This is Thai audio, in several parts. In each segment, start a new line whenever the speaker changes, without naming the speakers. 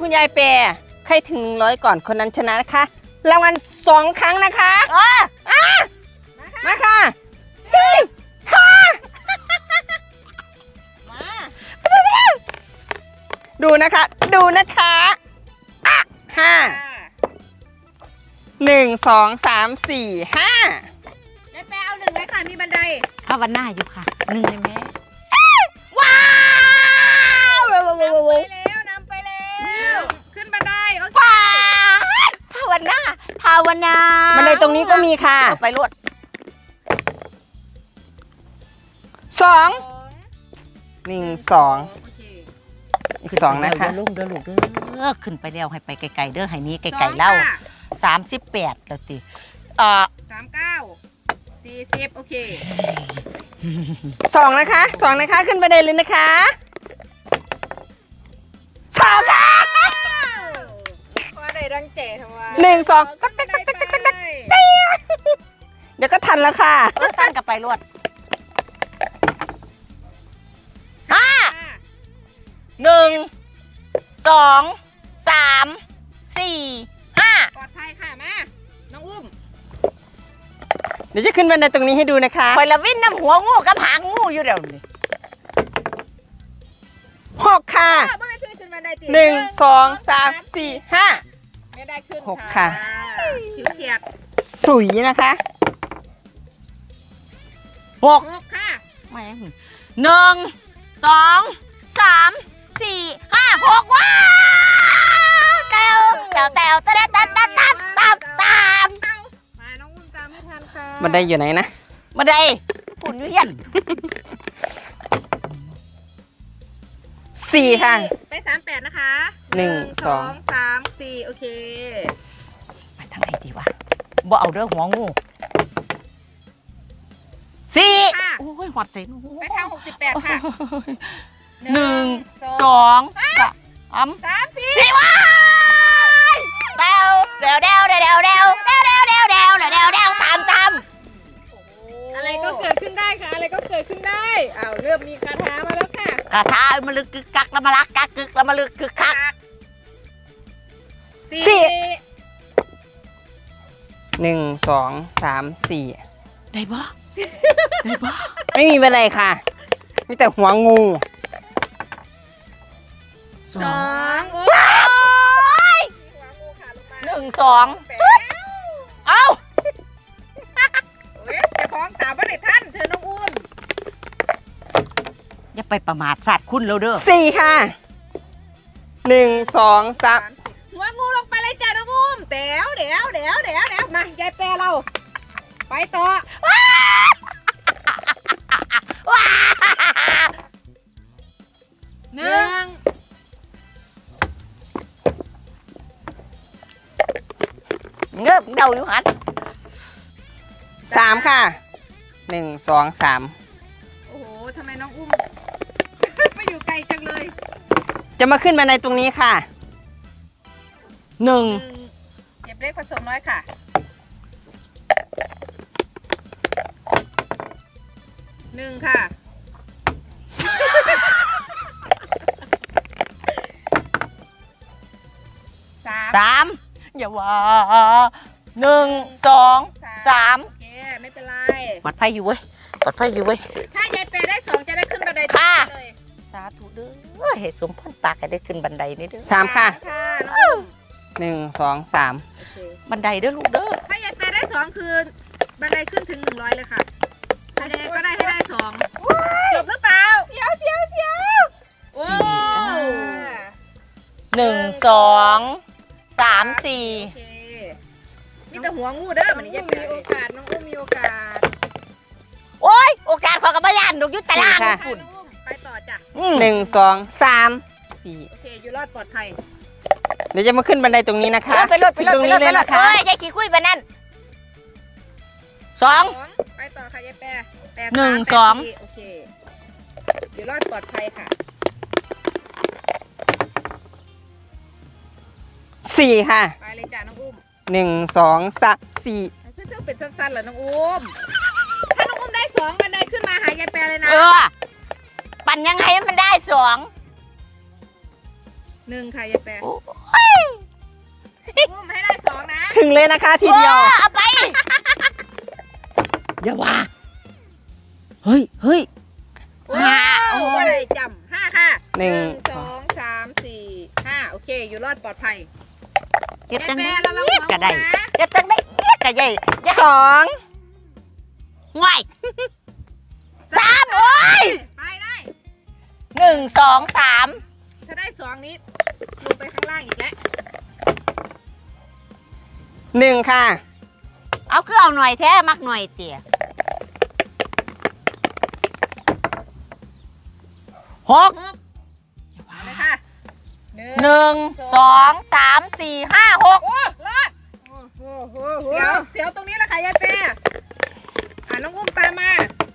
คุณยายแปรใครถึง100ก่อนคนนั้นชนะนะคะรางวัล2 ครั้งนะคะมาค่ะดูนะคะ5 1 2 3 4 5
ยายแปรเอา1เลยค่ะมีบันได
ภาวนาอยู่ค่ะ1เลยแม่
ว้า
วนำไปแล้วขึ้นบันไดโอเค
ภาวนา
บันไดตรงนี้ก็มีค่ะ
ไปรวด
2 1 2อีก2นะคะ
ลุงเด้อลูกเด้อขึ้นไปแล้วให้ไปไกลๆเด้อให้นี้ไกลๆเล่า38แล้วติ
39 40โอเค
2นะคะขึ้นบันไดเลยนะคะ2ค่ะ
พอได้ดังเจ๋ทำไม
1 2เดี๋ยวก็ทันแล้วค่ะ
ตั้งกับไปรวด1 2 3 4 5
ปลอดภัยค่ะมาน้องอุ้ม
เดี๋ยวจะขึ้นบันไดตรงนี้ให้ดูนะคะ
คอยละวิ่งน้ำหัวงูกับหางงูอยู่เดี๋ยวนี้
6ค่ะ1 2 3 4 5
ไม่ได้ขึ้น
6ค่ะ
ชิวเฉียด
สุยนะคะ
6
ค่ะ
ไม่1 2 3 4 5 6ว้าวแตวตาม
มาน้องอุ้มตามไม่ทันค่ะ
บันไดอยู่ไหนนะ
บันไดปุ่นอยู่ยัน
4ค่ะ
ไป38นะคะ
1 2
3 4โอเค
ไปทางไหนดีวะบ่เอาเด้อหัวงู4โอ้ยหวัดเสียง
ไปทาง68ค่ะ
1 2 3 4ว้ายเดวตาม
อะไรก็เกิดขึ้นได้ค่ะอะไรก็เกิดขึ้นได้อ้าวเริ่มมีคาถามาแล้วค่ะ
คาถามาลึกกึกกักแล้วมาลักกักกึกแล้วมาลึกกึกคัก
1 2 3 4
ได้บ่
ไม่มีอะไรค่ะมีแต่หัวงู
2โอ้ย
1 2เอ้า
จะคล้องตามว่าในท่านเธอน้องอุ้ม
อย่าไปประมาทสัตว์คุณเราเด้อ
4ค่ะ1 2 3
หัวงูลงไปเลยจ้าน้องอุ้มเดี๋ยวมายายแปรเราไปต่อ1
เงือบเดาอยู่หัน
3ค่ะ1 2 3
โอ้โหทำไมน้องอุ้มไม่อยู่ไกลจังเลย
จะมาขึ้นบันไดตรงนี้ค่ะ
1
เก็บเล็กผสมน้อยค่ะ1ค่ะ
3อย่าว่า1 2 3
โอเคไม่เป็นไร
ปลอดภัยอยู่เว้ย
ถ้ายายแปรได้2จะได้ขึ้นบันไดเลย
สาธุเด้อเหตุสมพรปากให้ได้ขึ้นบันไดนี่เด้อ
3ค่ะ1 2 3
บันไดเด้อลูกเด้อ
ถ้ายายแปรได้2คือบันไดขึ้นถึง100เลยค่ะถ้ายังไงก็ได้ให้ได้2จบหรือเปล่าเสียวโอ้
1 2 3 4
นี่แต่หัวงูเด้อมันนี่ยังมีโอกาสน้องอุ้มมีโอกาส
โอ้ยโอกาสขอกระบายันนกยุทธตาราง
คุณไปต่อจ้ะ
1 2 3 4
โอเคอยู่รอดปลอดภัย
เดี๋ยวจะมาขึ้นบันไดตรงนี้นะคะ
ไปรถตรงนี้เลยนะคะยายขี้คุยไปนั่น2
ไปต่อค่ะยายแปร
1 2
โอเคอยู่รอดปลอดภัยค่ะ
4ค่ะ
ไปเลยจ้ะน้องอุ้ม
1 2 3 4
ซึ่งเป็นสั้นๆเหรอน้องอุ้มถ้าน้องอุ้มได้2บันไดขึ้นมาหายายแปรเลยนะ
ปั่นยังไงมันได้2
1ค่ะยายแปร
โอ้ย
อุ้มให้ได้2นะ
ถึงเลยนะคะทีเดียว
โอ้เอาไป อย่าว่าเฮ้ย
โอ้
โอ้
บ่ได้จำ5ค่ะ
หนึ่ง
2 3 4 5โอเค อยู่รอดปลอดภัย
เฮ็ดจังได้
ยายแปรระวังหัว
กระได
นะ
เฮ็ดจังได้เอียกระใหญ่
สอง
ห่วย3โอ้ย
ไปได้
1 2 3
ถ้าได้2นี้ลงไปข้างล่างอีกแล้ว
หนึ่งค่ะ
เอาคือเอาหน่อยแท้มักหน่อยเตี่ย6
เอาเลยค่ะ
1 2 3 4 5 6
โอ้รอดเสียวตรงนี้แหละค่ะยายแปรน้องอุ้มตามมา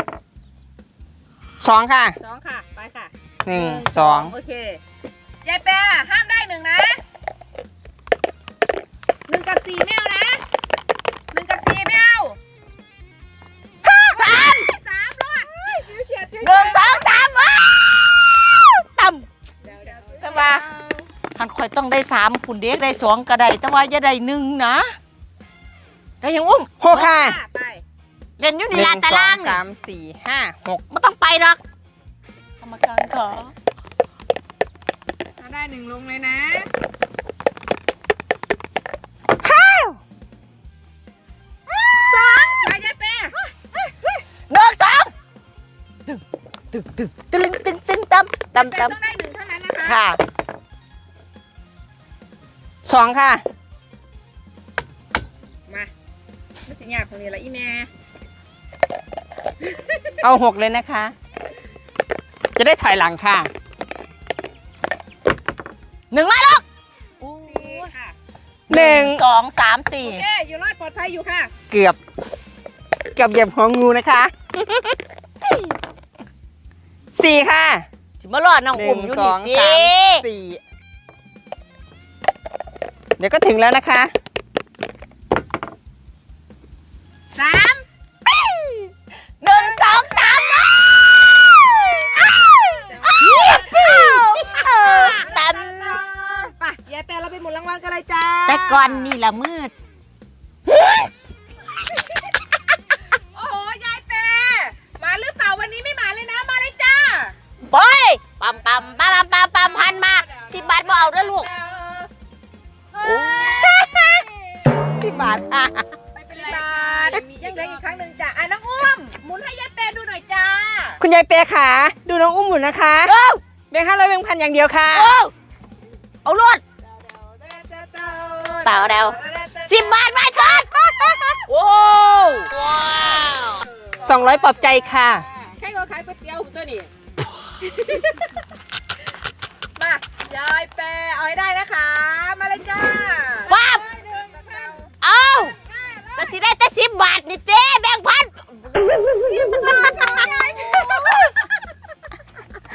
สองค่ะ
2ค่ะ ไปค่ะ
หนึ่งสอง
โอเคยายแปรห้ามได้1นะ1กับ4ไม่เอานะ1กับ4ไม่เอา
3
3รอดชิวเฉียดชิว
1 2 3ว้าวต่ำ แต่ว่า ท่านคอยต้องได้3คุณเด็กได้2ก็ได้แต่ว่าอย่าได้1นะได้ยังอุ้ม
หกค่ะ
ไป
เล่นอยู่
ห
นี่
นึ่ง
ลาน
ส
ตา
อ
ราง ง
สามสี่ห้าหก
ไม่ต้องไปหรอกกรรมการขอ
ถ้าได้1ลงเลยนะ 2ไปยายแปร
1 2ตึงต่ำ
แปร
ต่ำ
ต้องได้1เท่านั้นนะคะ
ค่ะ
สองค่ะ
มาไม่สิยากคนนี้ละอีแม่
เอาหกเลยนะคะ จะได้ถอยหลังค่ะ
1มาลูก
4ค่ะ
หนึ่ง
2 3
โอเค อยู่รอดปลอดภัยอยู่ค่ะ
เกือบเหยียบหัวงูนะคะ สี่ค่ะ
4สิมารอดน้อง
ห
อุ้
นึ่
ม
ง
อยู่
ส
นี่
อง
สิ
สามสี่เดี๋ยวก็ถึงแล้วนะคะ
3
1 2 3ต่ำ
ไปยายแปรเราไปหมุนรางวัลกันเลยจ้า
แต่ก่อนนี่ละมืด
โอ้โห ยายแปรมาหรือเปล่าวันนี้ไม่มาเลยนะ มาเลยจ้า
บอยปั๊มพันมา10 บาทบ่เอาเด้อลูก
10 บาทค่ะ
ไม่เป็นไรยังเหลืออีกครั้งหนึ่งจ้าน้องอุ้มหมุนให้ยายแปรดูหน่อยจ้า
คุณยายเปียขาดูน้องอุ้มหมุนนะคะ
เอ้า
แบงค์500แบงค์พันอย่างเดียวค่ะ
เอารถเปล่าเดา10 บาทมาก่อนโอ้ว้าว
200ปลอบใจค่ะ
ใครก็ขายก๋วยเตี๋ยวตัวนี้ มายายแปรเอาให้ได้นะคะ มาเลยจ้า